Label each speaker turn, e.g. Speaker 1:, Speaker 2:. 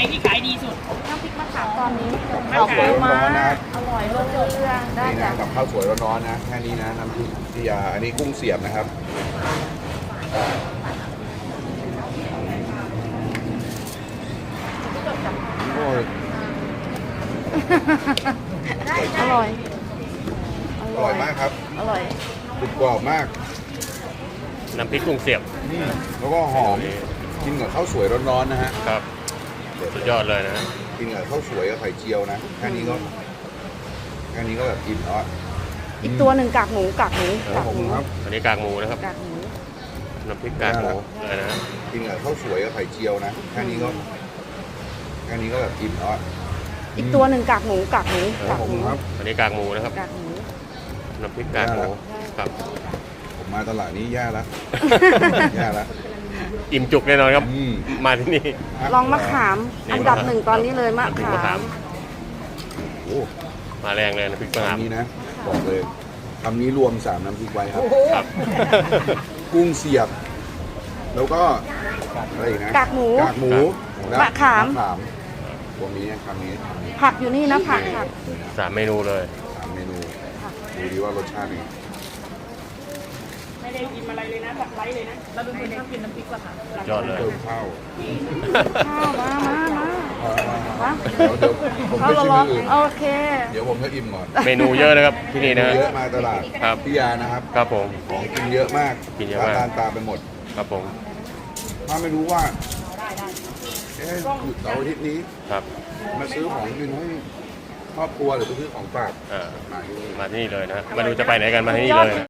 Speaker 1: ที่ขายดีสุด
Speaker 2: น้ำพริกมะขามตอนนี้
Speaker 1: ข้าวสวยร้อนๆนะ
Speaker 2: อร่อยรสเรื่องได้
Speaker 3: นี่
Speaker 2: จ้ะ
Speaker 3: นะกับข้าวสวยร้อนๆนะแค่นี้นะน้ำพริกพิยาอันนี้กุ้งเสียบนะครับโอ้ย
Speaker 2: อร่อย
Speaker 3: อร่อยมากครับ
Speaker 2: อร่อย
Speaker 3: กรุบกรอบมาก
Speaker 4: น้ำพริกกุ้งเสียบ
Speaker 3: แล้วก็หอมกินกับข้าวสวยร้อนๆนะฮะ
Speaker 4: ครับสุดยอดเลยนะฮะ
Speaker 3: กินกับข้าวสวยกับไข่เจียวนะแค่นี้ก็แบบอิ่มแล้วอะ
Speaker 2: อีกตัวหนึ่งกากหมูกากหมู
Speaker 3: ครับผมครับ
Speaker 4: อันนี้กากหมูนะครับ
Speaker 2: กากหมู
Speaker 4: น้ำพริกกากหมูเลยนะฮะ
Speaker 3: กินกับข้าวสวยกับไข่เจียวนะแค่นี้ก็แบบอิ่มแล้วอะ
Speaker 2: อีกตัวหนึ่งกากหมูกากหมู
Speaker 3: ครับผมครับ
Speaker 4: อันนี้กากหมูนะครับ
Speaker 2: กากหมู
Speaker 4: น้ำพริกกากหมูครับ
Speaker 3: ผมมาตลาดนี้แย่แล้ว แย่แล้ว
Speaker 4: อิ่มจุกแน่นอนครับ
Speaker 3: อืม
Speaker 4: มาที่นี่
Speaker 2: ลองมะขาม
Speaker 4: นี่
Speaker 2: อันดับหนึ่งตอนนี้เลยมะ
Speaker 4: น้ำพริก
Speaker 2: ขาม
Speaker 4: ะขาม
Speaker 3: โอ้
Speaker 4: มาแรงเลยน้ำพริกมะขาม
Speaker 3: คำนี้นะบอกเลยคำนี้รวม3น้ำพริกไว้ครับ
Speaker 4: ครับ
Speaker 3: กุ้งเสียบ แล้วก็อะไรอีกนะ
Speaker 2: กากหมู
Speaker 3: กากหมูและ
Speaker 2: มะขาม
Speaker 3: ตัวนี้คำนี้
Speaker 2: ผักอยู่นี่นะผักผัก
Speaker 4: สามเมนูเลย
Speaker 3: 3เมนูดูดีว่ารสชาติเป็นไง
Speaker 1: ไม่ได้กินอะไรเลยนะแบบไร้เลยนะเราเป็นคนชอบกินน้ำพริกมะขาม
Speaker 4: สุดยอดเลย
Speaker 3: เติมข้าว
Speaker 2: ข้าวมามา
Speaker 3: เดี๋ยวผม
Speaker 2: ข้าว
Speaker 3: ไปชิม
Speaker 2: ร้อ
Speaker 3: อน ย่างอื่น
Speaker 2: ๆโอเค
Speaker 3: เดี๋ยวผมจะอิ่มก่อน
Speaker 4: เมนูเยอะนะครับที่นี่นะฮะ
Speaker 3: เยอะมาตลาด
Speaker 4: ครับ
Speaker 3: พิยานะครับ
Speaker 4: ครับผม
Speaker 3: ของกินเยอะมาก
Speaker 4: กินเยอะมาก
Speaker 3: ตามไปหมด
Speaker 4: ครับผม
Speaker 3: ถ้าไม่รู้ว่าเอ๊ะหยุดเสาร์อาทิตย์นี้
Speaker 4: ครับ
Speaker 3: มาซื้อของกินให้ครอบครัวหรือไปซื้อของฝาก
Speaker 4: อ่า
Speaker 3: มาที่นี่
Speaker 4: มาที่นี่เลยนะมาดูจะไปไหนกันมาที่นี่เลย